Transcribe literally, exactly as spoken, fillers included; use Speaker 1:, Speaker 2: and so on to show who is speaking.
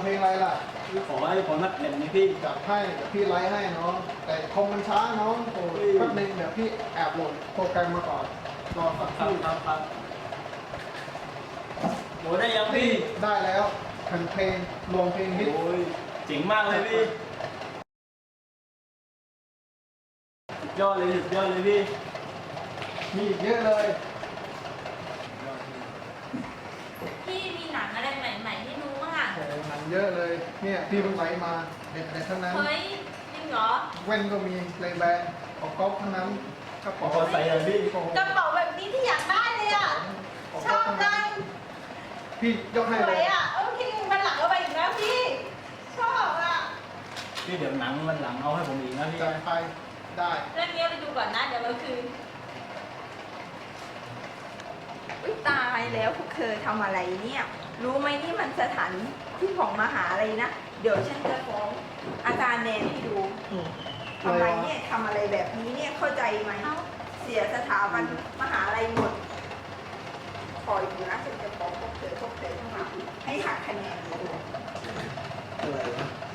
Speaker 1: เพลงอะไรล่ะ
Speaker 2: พี่ขอให้ผมนักเล่นนี้พี่
Speaker 1: จัดให้เดี๋ยวพี่ไลฟ์ให้น้อง แต่คอมมันช้าน้องโอ้ยแป๊บนึงเดี๋ยวพี่แอบโหลดโปรแกรมมาก่อนรอสักค
Speaker 2: ครับ
Speaker 1: รู่
Speaker 2: ครับครับโหได้ยัง
Speaker 1: พี่
Speaker 2: พี่
Speaker 1: ได้แล้วแผ่นเพลงรวมเพลงฮิต
Speaker 2: โอ้ยเจ๋งมากเลยพี่สุดยอดเลยสุดยอดเลยพี่
Speaker 1: มีอีกเยอะเลย
Speaker 3: พี่มีหนังอะไรใหม่ๆให้ดูบ้างอ่ะ
Speaker 1: โอ้โหหนังเยอะเลย เนี่ยพี่เพิ่งไลฟ์มาเด็ดๆทั้งนั้น
Speaker 3: เฮ้ยจริงเหรอ
Speaker 1: แว่นก็มีเลยแบรนด์ของก๊อฟทั้งนั้นกระเป๋า
Speaker 2: ขอใส่เลยพี่
Speaker 1: โอ้โห
Speaker 3: กระเป๋าแบบนี้ที่อยากได้เลยอ่ะ ชอบจัง
Speaker 1: พี่ยกให้
Speaker 3: ส
Speaker 1: เล
Speaker 3: วย ยอ่ะเออพี่มันหลังเอาไปอีกนะพี่ ชอบอ่ะ
Speaker 2: พี่เดี๋ยวหนังมันหลังเอาให้ผมอีกนะพี่
Speaker 1: จัดไปได้
Speaker 3: เรื่องนี้ไปดูก่อนนะเดี๋ยวเราคืน
Speaker 4: อุ๊ยตายแล้วพวกเธอทำอะไรเนี่ย รู้ไหมนี่มันสถานที่ของมหาอะไรนะ เดี๋ยวฉันจะฟ้องอาจารย์แนนให้ดูทำไมเนี่ยทำอะไรแบบนี้เนี่ยเข้าใจไหม
Speaker 3: เอ้า
Speaker 4: เสียสถาบันมหาลัยหมด คอยดูนะฉันจะฟ้องพวกเธอพวกเธอทั้งหมดให้หักคะแนนเลย
Speaker 1: อะไรวะ